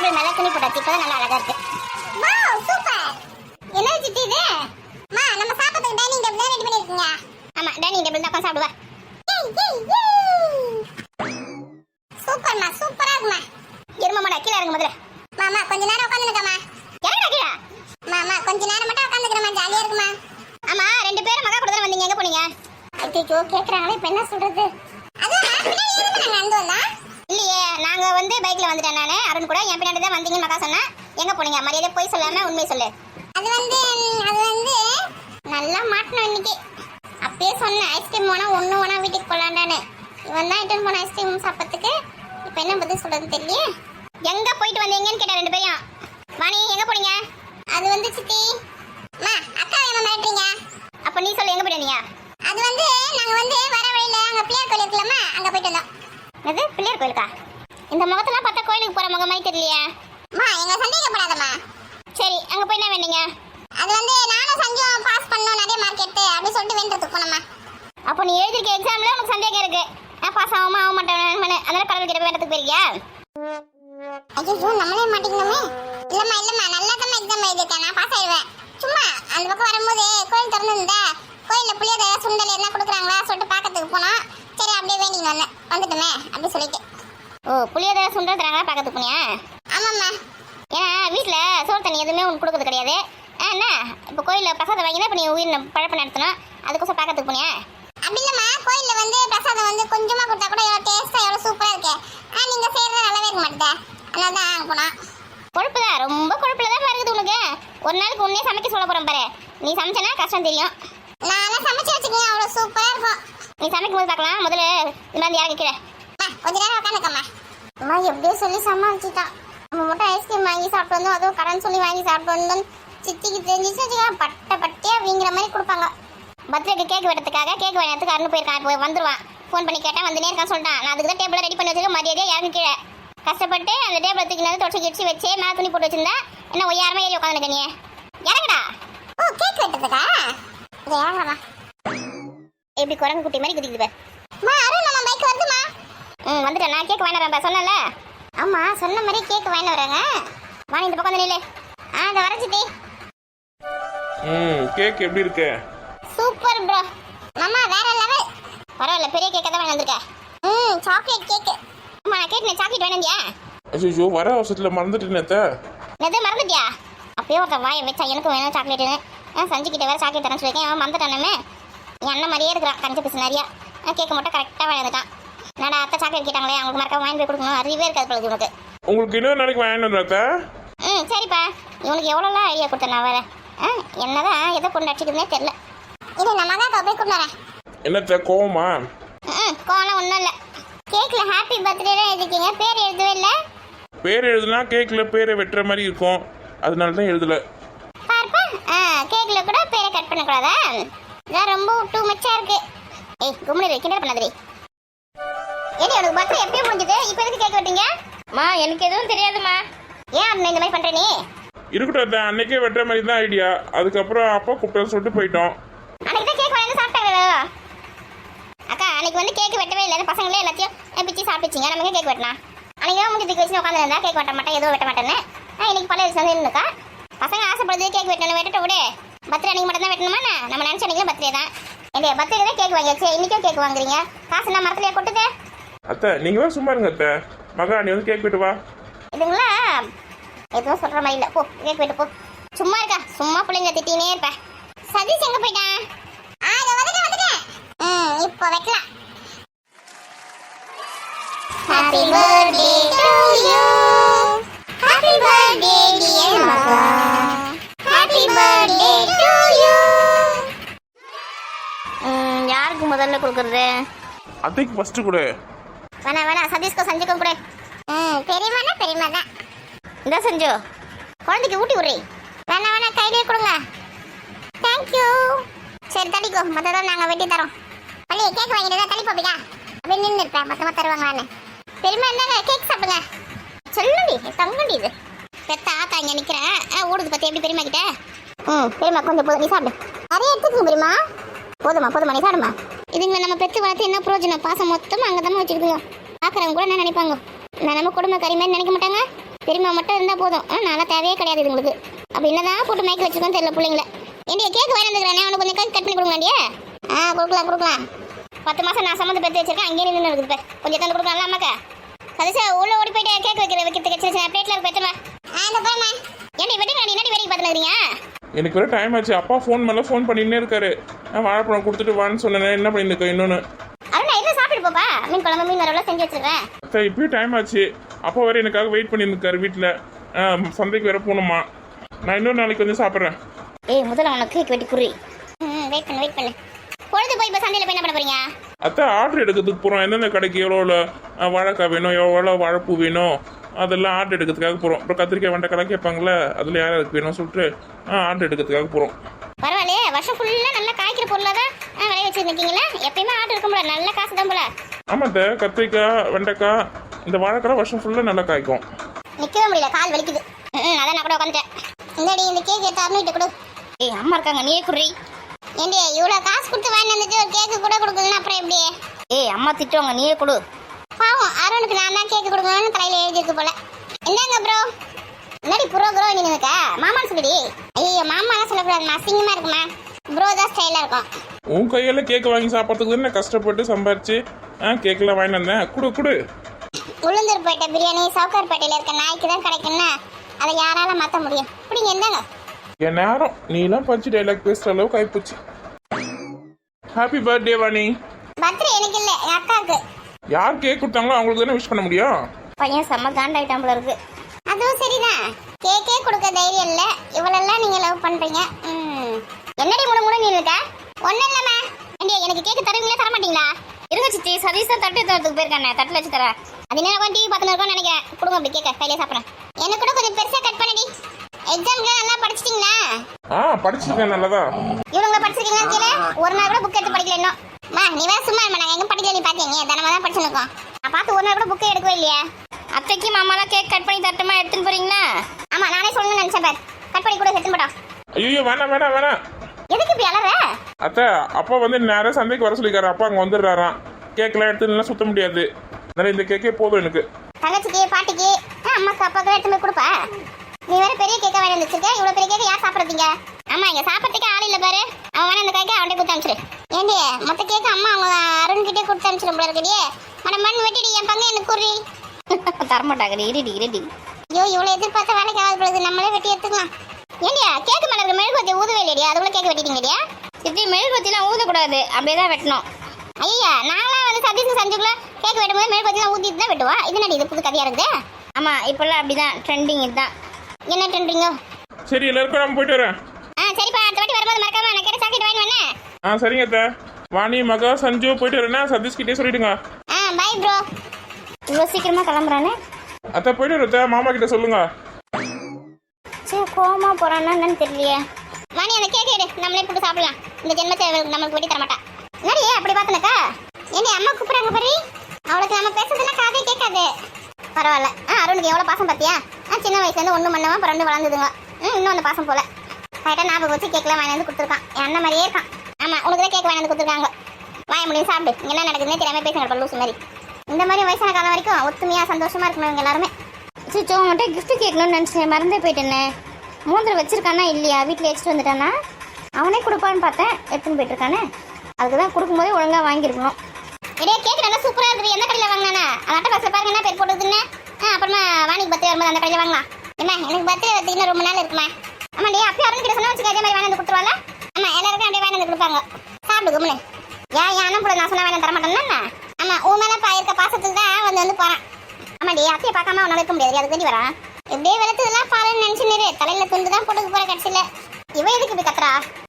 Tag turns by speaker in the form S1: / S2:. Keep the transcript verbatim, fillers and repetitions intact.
S1: தோல் நல்லா துணி போட்டாச்சு, இப்பதான் நல்லா அழகா இருக்கு. Wow super. என்ன சித்தி இது? மா நம்ம சாப்பிடுறதுக்கு டைனிங் டேபிள் ரெடி பண்ணிருக்கீங்க. ஆமா டைனிங் டேபிள் தான் உட்கார்ந்து சாப்பிடுவா. சூப்பர்மா சூப்பரா இருக்குமா. இருமாடா கீழ இறங்கு முதல்ல. மாமா கொஞ்ச நேரம் உட்கார்ந்துக்கமா. இறங்குடா கீழ. மாமா கொஞ்ச நேரம் மட்டும் உட்கார்ந்துக்கறமா, ஜாலியா இருக்குமா. ஆமா ரெண்டு பேரும் மகா கூட வந்தீங்க, எங்க போனீங்க? ஐயோ கேக்குறாங்களே, இப்ப என்ன சொல்றது? அதுமா பின்னாடி ஏறுங்க, நாங்க வந்து வந்தா. இல்லையே நாங்க வந்து பைக்ல வந்துட்டேன் நானே. அருண் கூட என் பின்னாடி தான் வந்தீங்க மகா சொன்னா. எங்க போனீங்க? மரியாதை போய் சொல்லாம உண்மை சொல்லு. அது வந்து அது வந்து நல்லா மாட்டணும் இன்னைக்கு. அப்பயே சொன்னேன் ஐஸ்கிரீம் வேணா ஒண்ணு வேணா வீட்டுக்கு போலாண்டானே. இவன் தான் இட்டன் போன ஐஸ்கிரீம் சாப்பிட்றதுக்கு. இப்ப என்ன பதில் சொல்றது தெரியல. எங்க போயிட்டு வந்தீங்கன்னு கேட்டா ரெண்டு பேரும். வாணி எங்க போனீங்க? அது வந்து சித்தி மா அக்கா என்ன மாட்டீங்க? அப்ப நீ சொல்லு எங்க போறீங்க? அது வந்து நாங்க வந்து வர வழியில அங்க பிள்ளையார் கோயில் இருக்குலமா, அங்க போயிட்டு வந்தோம். எது பிள்ளையார் கோயிலுக்கா? இந்த முகத்தெல்லாம் பார்த்தா கோயிலுக்கு போற முகமாய் தெரியலையா? மா எங்க சந்தேகப்படாதம்மா. சரி அங்க போய் என்ன வேண்டீங்க? அது வந்து நானும் சஞ்சும் பாஸ் பண்ணோம் நிறைய மார்க்கெட் அப்படி சொல்லிட்டு வேண்டதுக்கு போனோமா. அப்போ நீ எழுதிருக்க எக்ஸாம்ல உனக்கு சந்தேகம் இருக்கு, நான் பாஸ் ஆகாம ஆக மாட்டேன், அதனால கடவுள் கிட்ட வேண்டதுக்கு போயிருக்கியா? ஐயோ நம்மளே மாட்டிக்கணுமே. இல்லம்மா இல்லம்மா நல்லா தான் எக்ஸாம் எழுதிருக்கேன், நான் பாஸ் ஆயிடுவேன். சும்மா அந்த பக்கம் வரும்போது கோயில் திறந்துருந்தா கோயிலில் புளியோதரை சுண்டல் என்ன கொடுக்குறாங்களா சொல்லிட்டு பார்க்கறதுக்கு போனோம். சரி அப்படியே வேண்டிட்டு வந்தேன், வந்துட்டுமே அப்படி சொல்லிட்டு. ஓ புளியோதரை சுண்டல் தராங்களா பார்க்கறதுக்கு போனியா? ஆமாம்மா. ஏன்னா வீட்டில் சோறு தண்ணி எதுவுமே உனக்கு கொடுக்குறது கிடையாது. என்ன இப்போ கோயிலில் பிரசாதம் வாங்கினா இப்போ நீ உயிர் பழப்பம் நடத்தணும், அதுக்கோசம் பார்க்கறதுக்கு போனியா? அப்படி இல்லைம்மா, கோயிலில் வந்து பிரசாதம் வந்து கொஞ்சமாக கொடுத்தா கூட எவ்வளோ டேஸ்ட்டாக எவ்வளோ சூப்பராக இருக்கு. ஆ நீங்கள் செய்கிறது நல்லாவே இருக்க மாட்டேன், அதனால தான் அங்கே போனோம். கொழுப்பு தான் ரொம்ப கொழுப்புல தான் இருக்குது உனக்கு. ஒரு நாளுக்கு உன்னே சமைக்க சொல்ல போகிறேன் பாரு. நீ சமைச்சனா கஷ்டம் தெரியும். நானும் சமைச்சு வச்சுக்கேன், அவ்வளோ சூப்பராக இருக்கும். நீ சமைக்கும் போது பார்க்கலாம், முதல்ல இந்த மாதிரி இறங்கி கீழே கொஞ்ச நேரம் உட்காந்துக்கம்மா. அம்மா எப்படியோ சொல்லி சமாளிச்சுட்டான். நம்ம மட்டும் ஐஸ்கிரீம் வாங்கி சாப்பிட்டு வந்தோம், அதுவும் கடன் சொல்லி வாங்கி சாப்பிட்டு வந்தோம். சித்திக்கு தெரிஞ்சிச்சு வச்சுக்கலாம், பட்டை பட்டையாக வீங்கிற மாதிரி கொடுப்பாங்க. பர்த்டேக்கு கேக் வெட்டத்துக்காக கேக் வாங்கிறதுக்கு அருண் போயிருக்கான். இப்போ வந்துடுவான். ஃபோன் பண்ணி கேட்டால் வந்துனே இருக்கான்னு சொல்லிட்டான். நான் அதுக்கு தான் டேபிளை ரெடி பண்ணி வச்சுக்க மரியாதையாக இறங்கி கீழே கஷ்டப்பட்டு அந்த டேபிளை தூக்கினது தொடச்சி கிடிச்சி வச்சு மேலே துணி போட்டு வச்சிருந்தா என்ன ஒய்யாரமே ஏறி உட்காந்துருக்க நீ. இறங்கடா. ஓ கேக் வெட்டத்துக்கா? இறங்கடா. எப்படி குரங்கு குட்டி மாதிரி குதிக்குது பாரு. மா அருண் நம்ம பைக் வருதுமா. ம் வந்துட்டேன், நான் கேக் வாங்கிட்டு வரேன் சொன்னல. ஆமா சொன்ன மாதிரி கேக் வாங்கிட்டு வராங்க. வாணி இந்த பக்கம் நில்லு. ஆ இந்த வரச்சிட்டி.
S2: ம் கேக் எப்படி இருக்கு?
S1: Super bro. மாமா வேற லெவல். பரவாயில்ல பெரிய கேக்க தான் வாங்கி வந்திருக்க. ம் சாக்லேட் கேக். அம்மா நான் கேக் சாக்லேட் வேணும்யா.
S2: ஐயோ வர அவசரத்தில் மறந்துட்டேன்.
S1: எதை மறந்துட்டியா? அப்பயே ஒருத்த வாயை வச்சா எனக்கு வேணும் சாக்லேட்டுன்னு. ஆ சஞ்சு கிட்ட வேற சாக்லேட் தரேன்னு சொல்லியிருக்கேன், அவன் மறந்துட்டானே. என் அண்ணன் மாதிரியே இருக்கிறான், கஞ்சி பீஸ் நிறையா. கேட்க மட்டும் கரெக்டாக வாங்கி வந்துட்டான். நான் அத்தை சாக்லேட் கேட்டாங்களே அவங்களுக்கு மறக்காம வாங்கி போய் கொடுக்கணும், அறிவே இருக்காது பொழுது உனக்கு.
S2: உங்களுக்கு இன்னொரு நாளைக்கு வாங்கிட்டு வந்தா?
S1: ம் சரிப்பா. இவனுக்கு எவ்வளோலாம் ஐடியா கொடுத்தேன் நான் வேற. ஆ என்னதான் எதை கொண்டு அடிச்சுக்குதுன்னே தெரியல. இது நம்ம தான் போய் கொண்டு வரேன்.
S2: என்னத்த கோவமா?
S1: ம் கோவம்லாம் ஒன்றும் இல்லை. கேக்கில் ஹாப்பி பர்த்டே எழுதிருக்கீங்க, பேர் எழுதவே இல்லை.
S2: பேர் எழுதுனா கேக்கில் பேரை வெட்டுற மாதிரி இருக்கும், அதனால தான் எழுதல.
S1: பார்ப்பா. ஆ கேக்கில் கூட பேரை கட் பண்ணக்கூடாதா? இதான் ரொம்ப டூ மச்சா இருக்கு. ஏய் கும்மிடி கிண்டல் பண்ணாதீ. ஏடி உனக்கு பர்த்டே எப்பயும் முடிஞ்சது, இப்போ எதுக்கு கேக் வெட்டீங்க? மா எனக்கு எதுவும் தெரியாதுமா. ஏன் அப்படி இந்த மாதிரி பண்ணுற நீ?
S2: இருக்கட்டும், அன்னைக்கே வெட்டுற மாதிரி தான் ஐடியா. அதுக்கப்புறம் அப்பா கூப்பிட்டு சொல்லிட்டு போயிட்டோம்.
S1: அன்னைக்கு தான் கேக் வாங்கி சாப்பிட்டாங்களோ அக்கா. அன்னைக்கு வந்து கேக் வெட்டவே இல்லை, பசங்களே எல்லாத்தையும் பிச்சு சாப்பிடுச்சிங்க. நமக்கு கேக் வெட்டினா அன்னைக்கு தான் முடிஞ்சு வச்சு உட்காந்துருந்தா கேக் வெட்ட மாட்டேன், எதுவும் வெட்ட மாட்டேன்னு. நான் இன்னைக்கு பழைய வந்து இருந்துக்கா. பசங்க ஆசைப்படுறது கேக் வெட்டணும், வெட்டட்ட விட பர்த்டே அன்னைக்கு மட்டும் தான் வெட்டணுமா? நம்ம நினச்ச அன்னைக்கு பர்த்டே தான். என்னைய பர்த்டே தான் கேக் வாங்கியாச்சு, இன்னைக்கும் கேக் வாங்குறீங்க. காசு நான் மரத்துலையே கொட்டுது.
S2: அத்தை நீங்க தான் சும்மா இருங்க அத்தை. மகா நீ வந்து கேக் வெட்டு வா.
S1: இதுங்களா எதுவும் சொல்ற மாதிரி இல்லை, போ கேக் வெட்டு போ. சும்மா இருக்கா, சும்மா பிள்ளைங்க திட்டினே இருப்பேன். சதீஷ் எங்க போயிட்டான்? ஆ இதோ வந்துட்டேன் வந்துட்டேன். ம் இப்போ வைக்கலாம். Happy birthday to you. Happy birthday dear Maka. Happy birthday to you. ம் யாருக்கு முதல்ல கொடுக்கறது?
S2: அத்தைக்கு ஃபர்ஸ்ட் கொடு.
S1: வேணா வேணா சதீஷ்க்கு சஞ்சுக்கும் கொடு. ம் பெரியம்மானா பெரியம்மா தான். இந்த சஞ்சு குழந்தைக்கு ஊட்டி விடுறி. வேணா வேணா கையிலே கொடுங்க. தேங்க்யூ. சரி தள்ளிக்கோ, மொத்தம் நாங்கள் வெட்டி தரோம். பள்ளி கேக் வாங்கிட்டு தான் தள்ளி போப்பிக்கா. அப்படியே நின்று இருப்பேன், மொத்தமாக தருவாங்களான்னு. பெரியம்மா என்னங்க கேக் சாப்பிடுங்க. சொல்லுடி தங்கண்டி இது. பெத்த ஆத்தா இங்கே நிற்கிறேன். ஆ ஓடுது பற்றி எப்படி பெரியம்மா கிட்ட? ம் பெரியம்மா கொஞ்சம் போதும், நீ சாப்பிடு. நிறைய எடுத்துக்கோங்க பெரியம்மா. போதுமா போதுமா நீ சாப்பிடுமா. இதுங்களை நம்ம பெற்று வளர்த்து என்ன பிரயோஜனம்? பாசம் மொத்தமாக அங்கே தான் வச்சுருக்கோம். பார்க்குறவங்க கூட என்ன நினைப்பாங்க? நான் நம்ம குடும்ப கறி மாதிரி நினைக்க மாட்டாங்க. பெரியம்மா மட்டும் இருந்தால் போதும் ஆனால் நான்லாம் தேவையே கிடையாது இதுங்களுக்கு அப்போ என்னதான் போட்டு மைக்கில் வச்சுக்கோன்னு தெரியல பிள்ளைங்கள. ஏண்டியா கேக் வாங்கி வந்துக்கிறேன், அவனுக்கு கொஞ்சம் கேக் கட் பண்ணி கொடுங்களாண்டியா? ஆ கொடுக்கலாம் கொடுக்கலாம். பத்து மாதம் நான் சம்மந்த பெற்று வச்சிருக்கேன், அங்கேயே நின்று இருக்குது இப்போ. கொஞ்சம் தந்து கொடுக்கலாம் அம்மாக்கா. சதீஷா உள்ள ஓடி போயிட்டு கேக் வைக்கிற வைக்கிறதுக்கு சின்ன சின்ன பிளேட்டில் பெற்றுமா. ஆ இந்த போமா ஏண்டி வெட்டிங்களா, நீ என்னடி வேலைக்கு பார்த்துக்கிறீங்க?
S2: எனக்கு வேறு டைம் ஆச்சு. அப்பா ஃபோன் மேலே ஃபோன் பண்ணின்னே இருக்காரு. நான் வாழைப்பழம் கொடுத்துட்டு வான்னு சொன்னேன். என்ன பண்ணியிருக்கேன் இன்னொன்று?
S1: அருணா எதுவும் சாப்பிட்டு போப்பா, மீன் குழம்பு மீன் வரவெல்லாம் செஞ்சு வச்சிருக்கேன்.
S2: அத்தை இப்பயும் டைம் ஆச்சு. அப்பா வேறு எனக்காக வெயிட் பண்ணியிருக்காரு வீட்டில். சந்தைக்கு வேறு போகணுமா. நான் இன்னொரு நாளைக்கு வந்து சாப்பிட்றேன்.
S1: ஏய் முதல்ல உனக்கு கேக் வெட்டி குறி. ம் வெயிட் பண்ணு வெயிட் பண்ணு. பொழுது போய் இப்போ சந்தையில் போய் என்ன பண்ண போறீங்க?
S2: அத்தை ஆர்டர் எடுக்கிறதுக்கு போகிறோம். எந்தெந்த கடைக்கு எவ்வளோ வாழைக்காய் வேணும், எவ்வளோ வாழைப்பூ வேணும், அதெல்லாம் ஆர்டர் எடுக்கிறதுக்காக போகிறோம். அப்புறம் கத்திரிக்காய் வெண்டைக்காய் கேட்பாங்களே, அதில் யார் யாருக்கு வேணும் சொல்லிட்டு ஆர்டர் எடுக்கிறதுக்காக போகிறோம்.
S1: பரவாயில்லையே, வருஷம் ஃபுல்லாக நல்லா காய்க்கிற பொருளாக தான் விளைய வச்சுருக்கீங்களா? எப்பயுமே ஆர்டர் இருக்கும் போல, நல்ல காசு தான் போல.
S2: ஆமாம் அத்தை, கத்திரிக்காய் வெண்டைக்காய் இந்த வாழைக்காய் வருஷம் ஃபுல்லாக நல்லா காய்க்கும்.
S1: நிற்கவே முடியல, கால் வலிக்குது. ம் அதான் நான் கூட உட்காந்துட்டேன். இந்தாடி இந்த கேக் எடுத்து அருணிட்டு கொடு. ஏய் அம்மா இருக்காங்க, நீயே குடி. ஏண்டி இவ்வளோ காசு கொடுத்து வாங்கி வந்துட்டு ஒரு கேக்கு கூட கொடுக்குதுன்னா அப்புறம் எப்படி? ஏய் அம்மா திட்டுவாங்க, நீயே கொடு. பாவம் அருணுக்கு நான் தான் கேக்கு கொடுக்கணும்னு தலையில் எழுதிருக்கு போல. என்னங்க ப்ரோ? என்னடி ப்ரோ ப்ரோ நீ இருக்கா? மாமான்னு சொல்லிடி. ஐயோ மாமாலாம் சொல்லக்கூடாதுமா, அசிங்கமாக இருக்குமா. ப்ரோ தான் ஸ்டைலாக இருக்கும்.
S2: உன் கையில் கேக்கு வாங்கி சாப்பிட்றதுக்கு தானே கஷ்டப்பட்டு சம்பாரிச்சு ஆ கேக்கெல்லாம் வாங்கிட்டு வந்தேன். குடு குடு.
S1: உளுந்தூர்பேட்டை பிரியாணி சவுக்கார்பேட்டையில் இருக்க நாய்க்கு தான் கிடைக்குன்னா அதை யாரால மாற்ற முடியும்? இப்படிங்க என்னங்க
S2: என் நேரம் நீலாம் பஞ்சு டைலாக் பேசுகிற அளவுக்கு ஆயிப்போச்சு. Happy birthday Vani.
S1: பர்த்டே எனக்கு இல்லை, என் அக்காவுக்கு.
S2: யார் கேக் கொடுத்தாங்களோ அவங்களுக்கு தானே விஷ் பண்ண முடியும்.
S1: பையன் செம்ம காண்டாயிட்டான் போல இருக்கு. அதுவும் சரிதான், கேக்கே கொடுக்க தைரியம் இல்லை, இவளெல்லாம் நீங்கள் லவ் பண்ணுறீங்க. ம் என்னடி முழு முழு நீ இருக்கா? ஒன்றும் இல்லைம்மா. ஏண்டி எனக்கு கேக்கு தருவீங்களா தர மாட்டீங்களா? இருங்க சித்தி, சதீஷ் தான் தட்டு எடுத்துறதுக்கு போயிருக்கானே, தட்டில் வச்சு தரேன். அது என்ன டிவி பார்த்துன்னு இருக்கோம்னு நினைக்கிறேன். கொடுங்க அப்படி கேட்க கையிலே சாப்பிட்றேன். எனக்கு கூட கொஞ்சம் பெருசாக கட் பண்ணடி. எக்ஸாம்க்குலாம் நல்லா படிச்சிட்டிங்களா?
S2: ஆ படிச்சிருக்கேன் நல்லதா.
S1: இவங்க படிச்சிருக்கீங்களா கீழே? ஒரு நாள் கூட புக் எடுத்து படிக்கல இன்னும். மா நீ வேற சும்மா இருமா, நாங்கள் எங்கே படிக்கல நீ பார்த்தீங்க, தினமா தான் படிச்சுருக்கோம். நான் பார்த்து ஒரு நாள் கூட புக்கே எடுக்கவே இல்லையா? அத்தைக்கு மாமாலாம் கேக் கட் பண்ணி தட்டுமா எடுத்துன்னு போறீங்களா? ஆமாம் நானே சொல்லணும்னு நினச்சேன் பார். கட் பண்ணி கூட எடுத்துன்னு போட்டோம்.
S2: ஐயோ வேணாம் வேணாம் வேணாம்.
S1: எதுக்கு இப்படி அலற?
S2: அத்தை அப்பா வந்து நேரம் சந்தைக்கு வர சொல்லிக்காரு. அப்பா அங்கே வந்துடுறாராம். கேக்கெல்லாம் எடுத்து நல்லா சுத்த முடியாது. அதனால இந்த கேக்கே போதும் எனக்கு.
S1: தங்கச்சிக்கு பாட்டிக்கு அம்மாக்கு அப்பாவுக்கு எடுத்து போய் கொடுப்பா. நீ வேற பெரிய கேக்கா வாங்கி வச்சிருக்க. இவ்வளோ பெரிய கேக்க யார் சாப்பிட்றீங்க? ஆமா இங்க சாப்பிட்றதுக்கு ஆள் இல்லை பாரு. அவன் வேணா இந்த கேக்கை அவன்கிட்ட கொடுத்து அனுப்பிச்சிரு. ஏண்டி மொத்த கேக்கு அம்மா அவங்க அருண்கிட்டே கொடுத்து அனுப்பிச்சிடும் போல இருக்கடியே. மன மண் வெட்டிடி, என் பங்கு எனக்கு குறி. தரமாட்டாங்கடி, இருடி இருடி. ஐயோ இவ்வளோ எதிர்பார்த்த வேலைக்கு ஆகாது பொழுது, நம்மளே வெட்டி எடுத்துக்கலாம். ஏண்டியா கேக்கு மேலே இருக்க மெழுகுவத்தி ஊதவே இல்லையா? அதுக்குள்ள கேக்கு வெட்டிட்டீங்கடியா? இப்படி மெழுகுவத்திலாம் ஊதக்கூடாது, அப்படியே தான் வெட்டணும். ஐயா நான்லாம் வந்து சதீஷ் சஞ்சுக்குள்ள கேக் வெட்டும்போது மெழுகுவத்திலாம் ஊற்றிட்டு தான் வெட்டுவா. இது நடி இது புது கதையாக இருக்குது. ஆமாம் இப்போல்லாம் அப்படிதான் ட்ரெண்டிங். இதுதான் என்ன ட்ரெண்டிங்கோ?
S2: சரி எல்லாருக்கும் நம்ம போயிட்டு வரேன்.
S1: ஆ சரிப்பா, அடுத்த வாட்டி வரும்போது மறக்காம நான் கேட்ட சாக்கெட் வாங்கி வரேன்.
S2: ஆ சரிங்க அத்தை. வாணி மகா சஞ்சு போயிட்டு வரேன்னா சதீஷ் கிட்டே சொல்லிடுங்க.
S1: ஆ பை ப்ரோ. இவ்வளோ சீக்கிரமா கிளம்புறானே.
S2: அத்தை போயிட்டு வரத்த மாமா கிட்ட சொல்லுங்க.
S1: சரி கோமா போறான்னா என்னன்னு தெரியலையே. வாணி அந்த கேக் எடு, நம்மளே போட்டு சாப்பிடலாம். இந்த ஜென்மத்தை நம்மளுக்கு வெட்டி தர மாட்டா. என்னடி அப்படி பார்த்தனக்கா? ஏண்டி அம்மா கூப்பிடுறாங்க பாரு. அவளுக்கு நம்ம பேசுறதுன்னா காதே கேட்காது. பரவாயில்ல. ஆ அருணுக்கு எவ்வளோ பாசம் பார்த்தியா? ஆ சின்ன வயசுலேருந்து ஒன்று மண்ணவா பிறந்து வளர்ந்துதுங்க. ம் இன்னும் அந்த பாசம் போல கரெக்டாக ஞாபகம் வச்சு கேக்கெலாம் வாங்கி வந்து கொடுத்துருக்கான். என் அண்ணன் மாதிரியே இருக்கான். ஆமாம் உனக்கு தான் கேக் வாங்கி வந்து கொடுத்துருக்காங்க. வாய முடியும் சாப்பிடு. இங்கே என்ன நடக்குதுன்னே தெரியாமல் பேசுங்க லூசு மாதிரி. இந்த மாதிரி வயசான காலம் வரைக்கும் ஒத்துமையாக சந்தோஷமாக இருக்கணும் இவங்க எல்லாருமே. சிச்சோ மட்டும் கிஃப்ட் கேட்கணும்னு நினச்சேன், மறந்தே போயிட்டேன்னு. மூந்தில் வச்சிருக்கானா இல்லையா? வீட்டில் எடுத்துட்டு வந்துட்டானா? அவனே கொடுப்பான்னு பார்த்தேன், எடுத்துன்னு போயிட்டுருக்கானே. அதுக்கு தான் கொடுக்கும்போதே ஒழுங்காக வாங்கியிருக்கணும். இடையே கேக் நல்லா சூப்பராக இருக்குது. எந்த கடையில் வாங்கினானா? அந்த அட்டை பஸ்ஸில் பாருங்க என்ன பேர் போட்டுதுன்னு. ஆ அப்புறமா வாணிக்கு பர்த்டே வரும்போது அந்த கடையில் வாங்கலாம். என்ன எனக்கு பர்த்டே வந்து இன்னும் ரொம்ப நாள் இருக்குமா? ஆமாடி அப்பயே அருண் கிட்ட சொன்னா வச்சுக்க, அதே மாதிரி வாங்கி வந்து கொடுத்துருவாங்க. ஆமாம் எல்லாருக்கும் அப்படியே வாங்கி வந்து கொடுப்பாங்க. சாப்பிடு கும்னு. ஏன் என் அண்ணன் கூட நான் சொன்னால் வாங்கி தர மாட்டேன்னா? ஆமாம் உன் மேலே பா இருக்க பாசத்துக்கு தான் வந்து வந்து போகிறான். ஆமாடி அப்பயே பார்க்காம அவனால் இருக்க முடியாது, அதுக்கு வேண்டி வரான். இப்படியே வெளுத்ததெல்லாம் பாலுன்னு நினச்சின்னு தலையில் துண்டு தான் போட்டுக்கு போகிற கடைசியில். இவ எதுக்கு இப்படி கத்துறா?